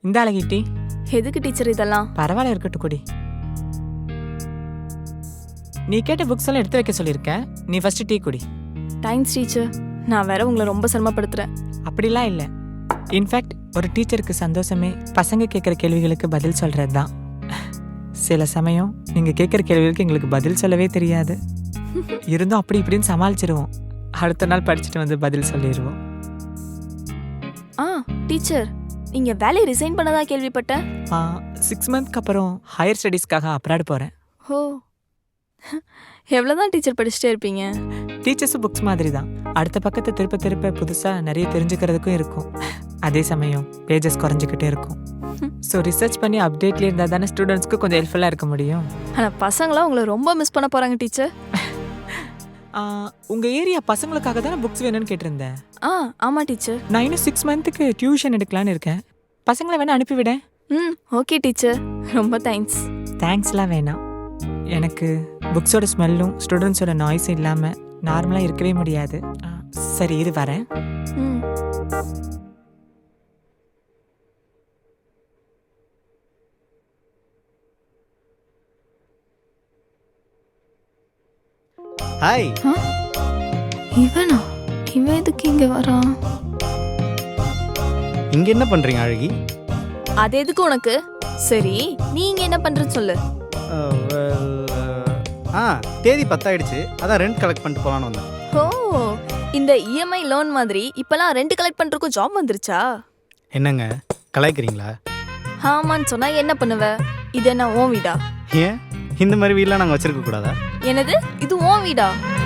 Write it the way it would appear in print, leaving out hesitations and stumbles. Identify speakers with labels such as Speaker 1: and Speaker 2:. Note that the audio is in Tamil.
Speaker 1: இந்த அழகி டீ.
Speaker 2: எதுக்கு டீச்சர் இதெல்லாம்?
Speaker 1: பரவாயில்ல, இருக்கட்டும் குடி. நீ கேட்ட புக்ஸ் எல்லாம் எடுத்து வைக்க சொல்லியிருக்கேன். நீ ஃபர்ஸ்ட் டீ குடி.
Speaker 2: Thanks teacher. நான் வேற உங்களை ரொம்ப சிரமப்படுத்துறேன்.
Speaker 1: அப்படிலாம் இல்லை. இன்ஃபேக்ட் ஒரு டீச்சருக்கு சந்தோஷமே பசங்க கேட்குற கேள்விகளுக்கு பதில் சொல்கிறது தான். சில சமயம் நீங்கள் கேட்குற கேள்விகளுக்கு எங்களுக்கு பதில் சொல்லவே தெரியாது. இருந்தும் அப்படி இப்படின்னு சமாளிச்சிருவோம். அடுத்த நாள் படிச்சுட்டு வந்து பதில் சொல்லிடுவோம்.
Speaker 2: டீச்சர், நீங்க வேலையை ரிசைன் பண்ணதா கேள்விப்பட்டேன்.
Speaker 1: 6 மந்த்க்கு அப்புறம் ஹையர் ஸ்டடீஸ்க்காக அப்ராட் போகிறேன்.
Speaker 2: ஓ, எவ்வளோதான் டீச்சர் படிச்சுட்டே இருப்பீங்க?
Speaker 1: டீச்சர்ஸும் புக்ஸ் மாதிரி தான். அடுத்த பக்கத்தை திருப்ப திருப்ப புதுசாக நிறைய தெரிஞ்சுக்கிறதுக்கும் இருக்கும். அதே சமயம் பேஜஸ் குறைஞ்சிக்கிட்டே இருக்கும். ஸோ ரிசர்ச் பண்ணி அப்டேட்லேயே இருந்தால் தானே ஸ்டூடெண்ட்ஸ்க்கு கொஞ்சம் ஹெல்ப்ஃபுல்லாக இருக்க முடியும்.
Speaker 2: ஆனால் பசங்களாம் உங்களை ரொம்ப மிஸ் பண்ண போகிறாங்க டீச்சர்.
Speaker 1: உங்கள் ஏரியா பசங்களுக்காக தானே புக்ஸ் வேணும்னு கேட்டிருந்தேன்.
Speaker 2: ஆமாம் டீச்சர்.
Speaker 1: நான் இன்னும் 6 மந்த்துக்கு டியூஷன் எடுக்கலான்னு இருக்கேன். பசங்களை வேணா அனுப்பிவிடேன்.
Speaker 2: ஓகே டீச்சர், ரொம்ப தேங்க்ஸ்.
Speaker 1: தேங்க்ஸ்லாம் வேணாம். எனக்கு புக்ஸோட ஸ்மெல்லும் ஸ்டூடெண்ட்ஸோட நாய்ஸும் இல்லாமல் நார்மலாக இருக்கவே முடியாது. சரி, இது வரேன்.
Speaker 3: ஹாய்.
Speaker 2: இவனா? இவன் எதுக்கு இங்கே வரான்?
Speaker 3: இங்க என்ன பண்றீங்க அழகி?
Speaker 2: அது எதுக்கு உனக்கு? சரி, நீ இங்க என்ன பண்றன்னு சொல்லு.
Speaker 3: தேதி 10 ஆயிடுச்சு. அதான் ரெண்ட் கலெக்ட் பண்ணிட்டு போலான்னு வந்தேன்.
Speaker 2: ஓ, இந்த இஎம்ஐ லோன் மாதிரி இப்பெல்லாம் ரெண்ட் கலெக்ட் பண்றதுக்கும் ஜாப் வந்துருச்சா?
Speaker 3: என்னங்க கலாய்க்கிறீங்களா?
Speaker 2: ஆமான்னு சொன்னா என்ன பண்ணுவ? இது என்ன உன் வீடா?
Speaker 3: ஏன் இந்த மாதிரி வீடெலாம் நாங்கள் வச்சிருக்க கூடாதா?
Speaker 2: என்னது, இது உன் வீடா?